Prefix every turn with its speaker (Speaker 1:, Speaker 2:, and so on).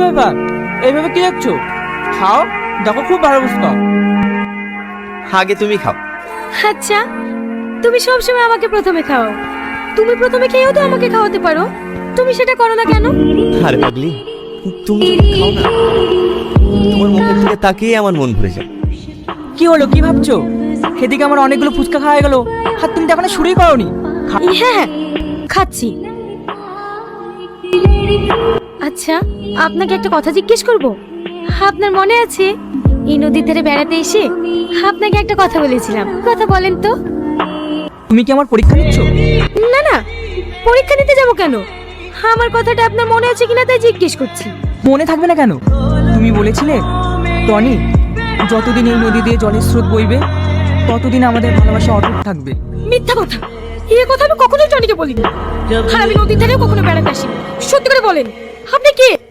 Speaker 1: ব্যাপার এইভাবে কি দেখছো? খাও, দেখো খুব ভালো বুঝতে।
Speaker 2: আগে তুমি খাও।
Speaker 3: আচ্ছা, তুমি সবসময় আমাকে প্রথমে খাও। তুমি প্রথমে খেয়েও তো আমাকে খাওয়াতে পারো, তুমি সেটা করো না কেন?
Speaker 2: আরে পাগলি, তুমি খাও না, তোমার মুখের দিকে তাকিয়ে আমার মন ভরে যায়।
Speaker 1: কি হলো, কি ভাবছো? সেদিকে আমার অনেকগুলো ফুচকা খাওয়া গেল, আর তুমি তো এখনো শুরুই করোনি।
Speaker 3: হ্যাঁ হ্যাঁ, খাচ্ছি। আচ্ছা, আপনাকে একটা কথা জিজ্ঞেস করব। আপনার মনে আছে এই নদীর ধারে বেড়াতে এসে আপনাকে একটা কথা বলেছিলাম? কথা বলেন তো।
Speaker 1: তুমি কি আমার পরীক্ষা নিচ্ছ?
Speaker 3: না না, পরীক্ষা নিতে যাব কেন? আমার কথাটা আপনার মনে আছে কিনা তাই জিজ্ঞেস করছি।
Speaker 1: মনে থাকবে না কেন? তুমি বলেছিলে টনি, যতদিন এই নদী দিয়ে জলের স্রোত বইবে ততদিন আমাদের ভালোবাসা অটুট থাকবে।
Speaker 3: মিথ্যা কথা, এই কথা আমি কখনোই টনিকে বলিনি। আর আমি নদীর ধারেও কখনো বেড়াতে আসিনি। সত্যি করে বলেন, আপনি কে?